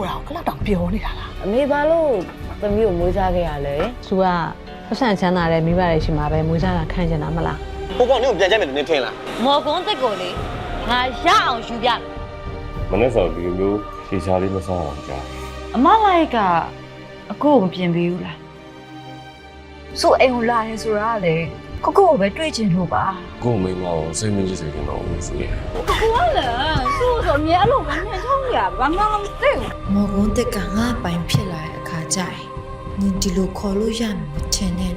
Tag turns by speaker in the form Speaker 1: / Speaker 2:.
Speaker 1: တာကိုအဲ့လောက်တောင်ပြောနေတာလား
Speaker 2: အမေဘာလို့သမီးကိုမွေးစားခဲ့ရလဲ
Speaker 3: သူကပတ်စံချမ်းသာတဲ့မိဘတွေရှိမှာပဲမွေးစားတာခံကျင်တာမလား
Speaker 4: ကိုကောင်နင်းကိုပြန်ကြိုက်မယ်လို့နင်းထင်လား
Speaker 5: မော်ကွန်းတက်ကိုလေငါရအောင်ယူပြ
Speaker 6: မနေ့စောဒီလိုမျိုးဖြေချာလေးမစားအောင်ကြား
Speaker 5: အမလိုက်ကအကိုကိုမပြင်ပေးဘူးလားဆိုအိမ်ကိုလာရဲဆိုတာလေကိုကိုကိုပဲတွေ့ချင်လို့ပါ
Speaker 6: ကို့မိမကိုစိတ်မကြည့်စေချင်တော့ဘူးဆိုရင်
Speaker 5: ဆိုဆိုအမြဲအဲ့လိုပဲနှင်ထုံးရဘာမှမသိဘူး
Speaker 7: မော်ကွန်းတက်ကငါပိုင်ဖြစ်လာတဲ့အခါကျရင်နင်ဒီလိုခေါ်လို့ရမယ်မထင်နဲ့